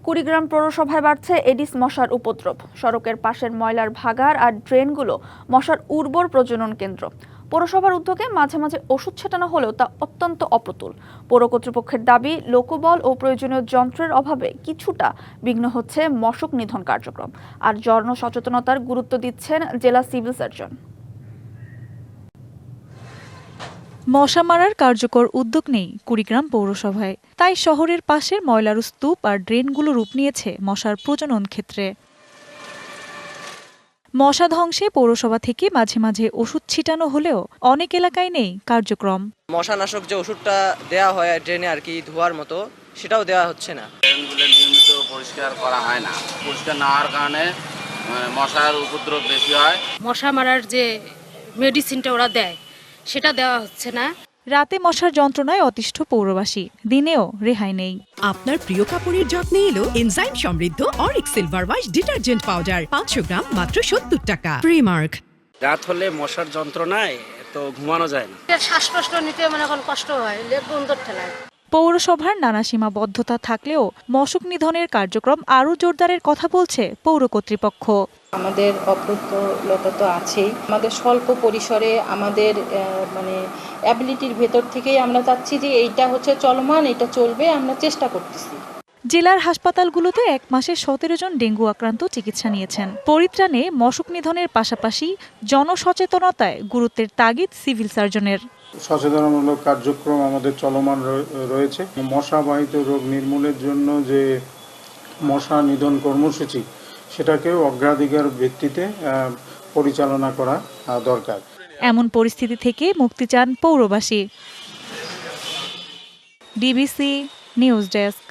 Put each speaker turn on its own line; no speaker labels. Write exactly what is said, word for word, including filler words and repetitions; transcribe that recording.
কুড়িগ্রাম পৌরসভায় বাড়ছে এডিস মশার উপদ্রব। সড়কের পাশের ময়লার ভাগাড় আর ড্রেনগুলো মশার উর্বর প্রজনন কেন্দ্র। পৌরসভার উদ্যোগে মাঝে মাঝে ওষুধ ছেটানো হলেও তা অত্যন্ত অপ্রতুল। পৌর কর্তৃপক্ষের দাবি, লোকবল ও প্রয়োজনীয় যন্ত্রের অভাবে কিছুটা বিঘ্ন হচ্ছে মশক নিধন কার্যক্রম। আর জনসচেতনতার গুরুত্ব দিচ্ছেন জেলা সিভিল সার্জন।
মশা মারার কার্যকর উদ্যোগ নেই কুড়িগ্রাম পৌরসভায়, তাই শহরের পাশের ময়লার স্তূপ আর ড্রেনগুলো রূপ নিয়েছে মশার প্রজনন ক্ষেত্রে। মশা ধ্বংসে পৌরসভা থেকে মাঝে মাঝে ওষুধ ছিটানো হলেও অনেক এলাকায় নেই কার্যক্রম।
মশানাশক যে ওষুধটা দেওয়া হয় ড্রেনে আর কি ধোয়ার মতো, সেটাও দেওয়া হচ্ছে না।
ড্রেনগুলো নিয়মিত পরিষ্কার করা হয় না, পরিষ্কার না হওয়ার কারণে মশার উপদ্রব বেশি হয়।
মশা মারার যে মেডিসিনটা ওরা দেয় সেটা দেওয়া হচ্ছে না।
রাতে মশার যন্ত্রণায় অতিষ্ঠ পৌরবাসী, দিনেও রেহাই নেই।
আপনার প্রিয় কাপড়ের যত্নে এলো এনজাইম সমৃদ্ধ অরিক সিলভার ওয়াশ ডিটারজেন্ট পাউডার পাঁচশো গ্রাম মাত্র সত্তর টাকা। প্রিমার্ক।
রাত হলে মশার যন্ত্রণায় তো ঘুমানো যায় না।
শ্বাস প্রশ্বাস নিতে মানে এখন কষ্ট হয়, লেগ বন্ধর ঠেলায়।
পৌরসভার নানা সীমাবদ্ধতা থাকলেও মশক নিধনের কার্যক্রম আরও জোরদারের কথা বলছে পৌর কর্তৃপক্ষ।
আমাদের অপ্রতুলতা তো আছেই, আমাদের স্বল্প পরিসরে আমাদের মানে অ্যাবিলিটির ভেতর থেকেই আমরা চাচ্ছি যে এইটা হচ্ছে চলমান, এটা চলবে, আমরা চেষ্টা করতেছি।
জেলার হাসপাতালগুলোতে এক মাসে সতেরো জন ডেঙ্গু আক্রান্ত চিকিৎসা নিয়েছেন। পরিত্রাণে মশক নিধনের পাশাপাশি জনসচেতনতায় গুরুত্বের তাগিদ সিভিল সার্জনের।
সচেতনমূলক কার্যক্রম আমাদের চলমান রয়েছে। মশাবাহিত রোগ নির্মূলের জন্য যে মশা নিধন কর্মসূচি, সেটাকেও অগ্রাধিকার ভিত্তিতে পরিচালনা করা দরকার।
এমন পরিস্থিতি থেকে মুক্তি চান পৌরবাসী। DBC news desk.